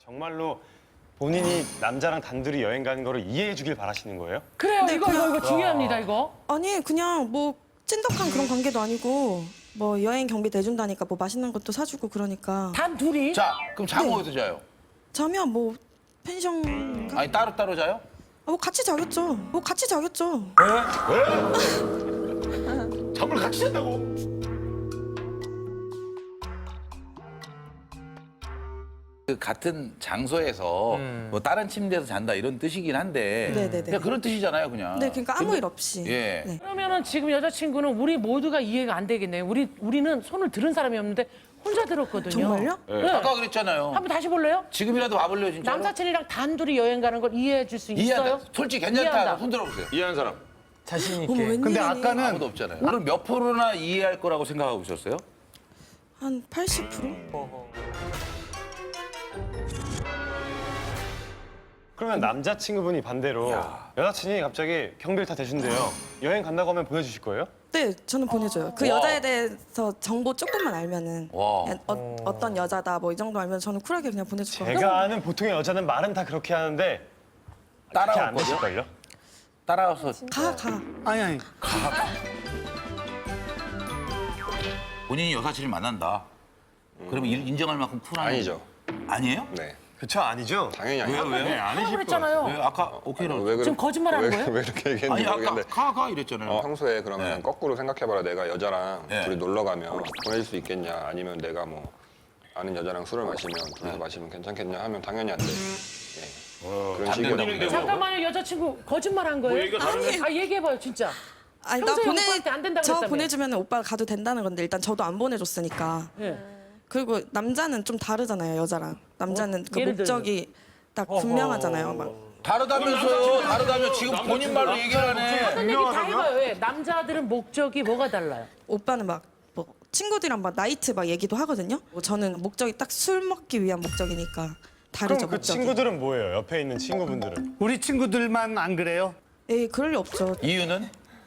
정말로 본인이 남자랑 단둘이 여행 가는 거를 이해해 주길 바라시는 거예요? 그래요. 네, 이거 중요합니다. 이거. 아니 그냥 뭐 찐덕한 그런 관계도 아니고 뭐 여행 경비 내준다니까 뭐 맛있는 것도 사주고 그러니까 단 둘이. 자, 그럼 잠은 어디서 자요? 자면 뭐 펜션인가? 아니 따로 자요? 뭐 같이 자겠죠. 뭐 같이 자겠죠. 잠을 같이 잔다고? 그 같은 장소에서 뭐 다른 침대에서 잔다 이런 뜻이긴 한데 네네네. 그냥 그런 뜻이잖아요, 그냥. 네, 그러니까 아무 근데- 일 없이. 예. 네. 그러면은 지금 여자친구는 우리 모두가 이해가 안 되겠네요. 우리는 손을 들은 사람이 없는데 혼자 들었거든요. 정말요? 네. 아까 그랬잖아요. 한번 다시 볼래요? 지금이라도 와볼래요, 진짜? 남사친이랑 단둘이 여행 가는 걸 이해해 줄 수 있어요? 이해한다. 솔직히 괜찮다. 이해한다. 손 들어보세요. 이해한 사람. 자신 어머, 있게. 웬일이니? 근데 아까는 아무도 없잖아요. 그럼 몇 프로나 이해할 거라고 생각하고 있었어요? 한 80%? 그러면 남자친구분이 반대로 여자친이 갑자기 경비를 다 대준대요. 여행 간다고 하면 보내주실 거예요? 네, 저는 보내줘요. 그 와. 여자에 대해서 정보 조금만 알면은 와. 그냥 어떤 여자다 뭐 이 정도 알면 저는 쿨하게 그냥 보내줄 거예요. 제가 아는 보통의 여자는 말은 다 그렇게 하는데 그렇게 안 따라올 거죠? 되실걸요? 따라와서 가. 아니 본인이 여사친을 만난다. 그러면 인정할 만큼 쿨한 아니죠. 아니에요? 네. 그쵸, 아니죠? 당연히 아니죠. 왜요? 네, 아니실 거예요. 그랬잖아요. 왜 아까 오케이로 왜 지금 거짓말하는 왜, 거예요? 왜 이렇게 아니 얘기했는지 아까 모르겠는데 가 이랬잖아요. 평소에 그러면 네. 거꾸로 생각해봐라. 내가 여자랑 네. 둘이 놀러 가면 보내줄 수 있겠냐, 아니면 내가 뭐 아는 여자랑 술을 마시면 둘이서 마시면 괜찮겠냐 하면 당연히 안 돼. 예. 그런 식이에요. 잠깐만요. 여자친구 거짓말한 거예요? 얘기가 다르네. 아 얘기해봐요 진짜. 아니 평소에 오빠한테 안 된다고 저 그랬다며. 보내주면 오빠가 가도 된다는 건데 일단 저도 안 보내줬으니까. 예. 그리고 남자는 좀 다르잖아요, 여자랑. 남자는 그 예를 목적이 딱 분명하잖아요. 막 다르다면서요? 다르다면 지금 본인 말로 얘기를 하네. 어떤 얘기 다 해봐요. 왜? 남자들은 목적이 뭐가 달라요? 오빠는 막 뭐 친구들이랑 막 나이트 막 얘기도 하거든요. 뭐 저는 목적이 딱 술 먹기 위한 목적이니까 다르죠, 그럼 그 목적이. 친구들은 뭐예요? 옆에 있는 친구분들은? 우리 친구들만 안 그래요? 에이, 그럴 리 없죠. 이유는?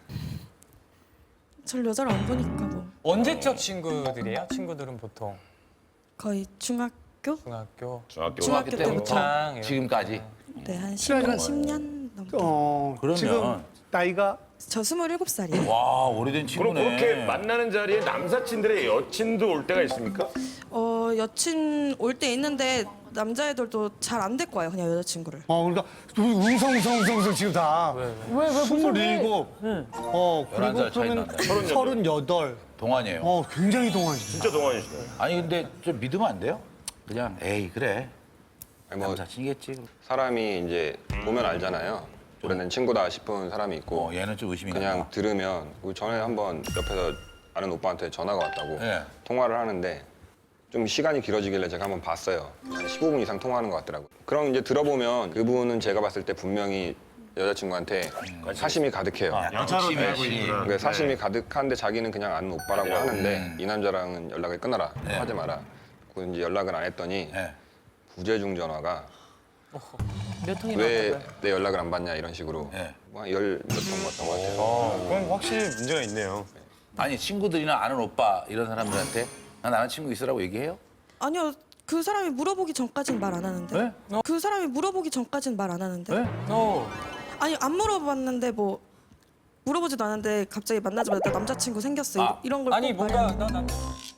절 여자를 안 보니까 뭐 언제적 친구들이에요? 친구들은 보통 거의 중학교? 중학교 중학교. 중학교 때부터. 동창 이런 지금까지? 네, 한 그러면- 10년 넘게. 그러면- 지금 나이가 저 27살이에요. 와 오래된 그럼 친구네. 그렇게 만나는 자리에 남사친들의 여친도 올 때가 있습니까? 여친 올 때 있는데 남자애들도 잘 안 데리고 와요, 그냥 여자친구를. 그러니까 웅성웅성 지금 다 왜 27. 응. 그리고 11살 차이 그러면 난다. 38. 동안이에요. 굉장히 동안이죠. 진짜 동안이시네. 아니 근데 좀 믿으면 안 돼요? 그냥 에이 그래. 아니, 뭐 남사친이겠지. 사람이 이제 보면 알잖아요. 오래된 친구다 싶은 사람이 있고 얘는 좀 의심이 그냥 간다. 들으면 우리 전에 한번 옆에서 아는 오빠한테 전화가 왔다고 예. 통화를 하는데 좀 시간이 길어지길래 제가 한번 봤어요. 한 15분 이상 통화하는 것 같더라고요. 그럼 이제 들어보면 그분은 제가 봤을 때 분명히 여자친구한테 사심이 가득해요. 여자로 욕심이 대하고 있지. 있구나. 그러니까 사심이 가득한데 자기는 그냥 아는 오빠라고 하는데 이 남자랑은 연락을 끊어라. 하지 마라. 그리고 이제 연락을 안 했더니 예. 부재중 전화가 몇 통이나 왜 왔다고요? 내 연락을 안 받냐 이런 식으로 예. 뭐열몇 통 왔던 것 같아요. 그럼 확실히 문제가 있네요. 아니 친구들이나 아는 오빠 이런 사람들한테 난 아는 친구 있으라고 얘기해요? 아니요, 그 사람이 물어보기 전까진 말 안 하는데. 네? 그 사람이 물어보기 전까진 말 안 하는데. 네? 아니 안 물어봤는데 뭐 물어보지도 않았는데 갑자기 만나자마자 나 남자친구 생겼어 이런 걸 아니 꼭 뭔가 말하는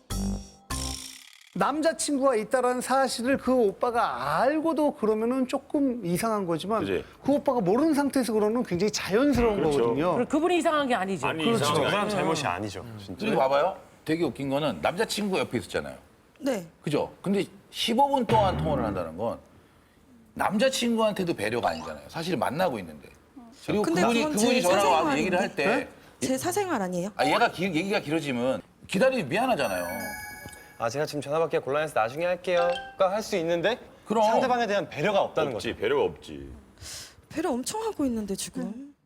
남자친구가 있다라는 사실을 그 오빠가 알고도 그러면은 조금 이상한 거지만 그지. 그 오빠가 모르는 상태에서 그러는 굉장히 자연스러운 그렇죠. 거거든요. 그럼 그분이 이상한 게 아니죠. 아니 그 이상하게. 사람 잘못이 아니죠, 진짜. 그리고 봐봐요. 되게 웃긴 거는 남자친구 옆에 있었잖아요. 네. 그죠? 근데 15분 동안 통화를 한다는 건 남자친구한테도 배려가 아니잖아요. 사실 만나고 있는데. 그리고 근데 그건 그분이 제 전화가 와서 사생활인데. 얘기를 할 때 제 사생활 아니에요? 얘가 얘기가 길어지면 기다리기 미안하잖아요. 아, 제가 지금 전화 받기가 곤란해서 나중에 할게요.가 할 수 있는데 그럼. 상대방에 대한 배려가 없다는 거죠. 없지 배려가 없지. 배려 엄청 하고 있는데 지금.